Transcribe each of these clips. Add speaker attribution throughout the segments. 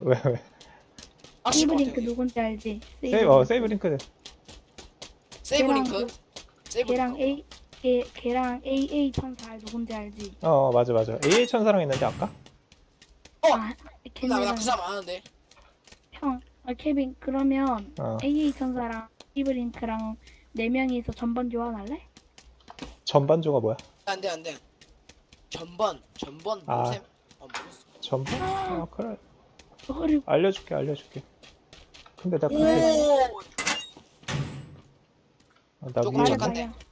Speaker 1: 왜?
Speaker 2: 세이브 링크
Speaker 3: 여기.
Speaker 2: 누군지 알지?
Speaker 1: 세이브 링크.
Speaker 3: 세이브
Speaker 2: 걔랑
Speaker 3: 링크. 세이브
Speaker 2: 걔랑
Speaker 3: 링크.
Speaker 2: 걔랑 AA 천사 누군지 알지?
Speaker 1: 맞아. AA 천사랑 있는데 아까?
Speaker 2: 아,
Speaker 3: 나
Speaker 2: 걔네랑
Speaker 3: 그 사람 아는데.
Speaker 2: 케빈 그러면
Speaker 1: 어.
Speaker 2: AA 천사랑 세이브 링크랑 네 명이서 전번 교환할래?
Speaker 1: 전반조가 뭐야?
Speaker 3: 안돼. 전번
Speaker 1: 아.
Speaker 3: 모셈. 모르겠어.
Speaker 1: 전반? 그래.
Speaker 2: 어려.
Speaker 1: 알려줄게. 근데 나 그게
Speaker 3: 오.
Speaker 1: 나
Speaker 3: 조금
Speaker 1: 위에
Speaker 3: 잠깐만.
Speaker 1: 있네.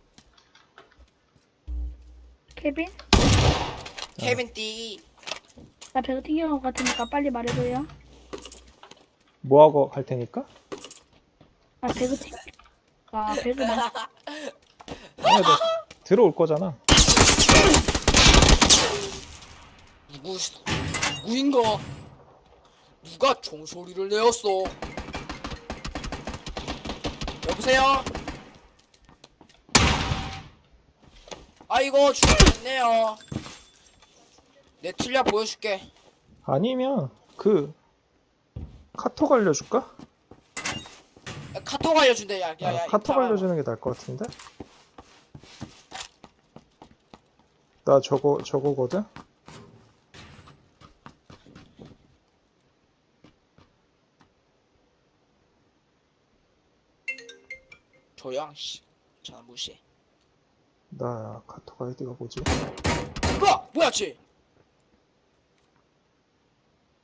Speaker 2: 케빈?
Speaker 3: 케빈 띠.
Speaker 2: 나 배가 튀겨온 것 같으니까 빨리 말해줘요.
Speaker 1: 뭐하고 갈 테니까?
Speaker 2: 아 배그 튀. 아 배그 나.
Speaker 1: 아니, 너 들어올 거잖아.
Speaker 3: 누구인가? 누가 종소리를 내었어? 여보세요? 아이고 죽겠네요. 내 틀려 보여줄게.
Speaker 1: 아니면 그 카톡 알려줄까?
Speaker 3: 야, 카톡 알려준대. 야,
Speaker 1: 카톡
Speaker 3: 이따가.
Speaker 1: 알려주는 게 나을 것 같은데? 나 저거거든?
Speaker 3: 조용. 씨. 전화 무시해.
Speaker 1: 나 카톡 아이디가 뭐지?
Speaker 3: 뭐야 쟤?